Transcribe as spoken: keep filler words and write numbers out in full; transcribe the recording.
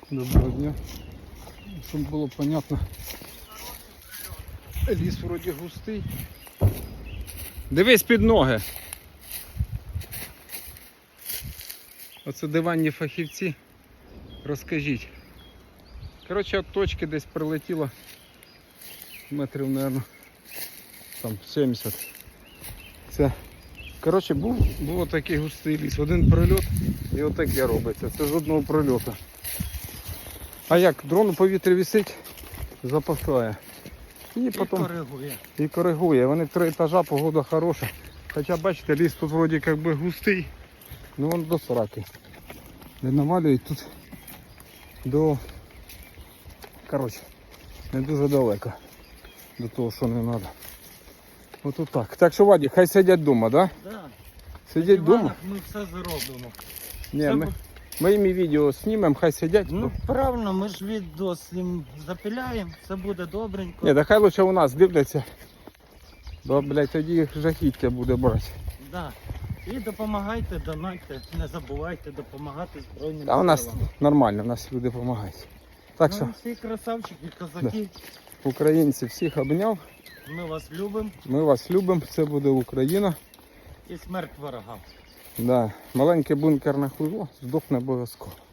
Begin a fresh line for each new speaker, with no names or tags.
Доброго дня. Щоб було понятно. Ліс вроді густий. Дивись під ноги. Оце диванні фахівці. Розкажіть. Коротше, от точки десь прилетіло метрів, мабуть, там сімдесят. Це, коротше, був, був такий густий ліс. Один прильот і отаке робиться. Це з одного прильоту. А як? Дрон у повітрі висить, запасає. І,
І
потім
коригує.
І коригує. Вони три етажа, погода хороша. Хоча бачите, ліс тут вроді як би густий. Ну вон до сраки. Не навалюють тут до... Коротше, не дуже далеко до того, що не треба. Ось так. Так що, Вадик, хай сидять вдома, так? Да?
Да.
Сидять вдома?
На ми все зробимо.
Ні,
Це
ми,
бу-
ми їм і відео знімемо, хай сидять.
Ну правильно, ми ж відео з ним запиляємо, все буде добренько.
Ні, та хай лучше у нас дивляться. Бо, блядь, тоді їх жахіття буде брати.
Да. І допомагайте, донайте, не забувайте допомагати Збройним
А у нас
силам.
нормально, у нас люди допомагають. Так що,
Ну, всі красавчики, козаки,
українці всіх обняв.
ми вас любимо
Ми вас любимо, це буде Україна.
і смерть ворогам.
Да. Маленький бункер на хуйло здохне обов'язково.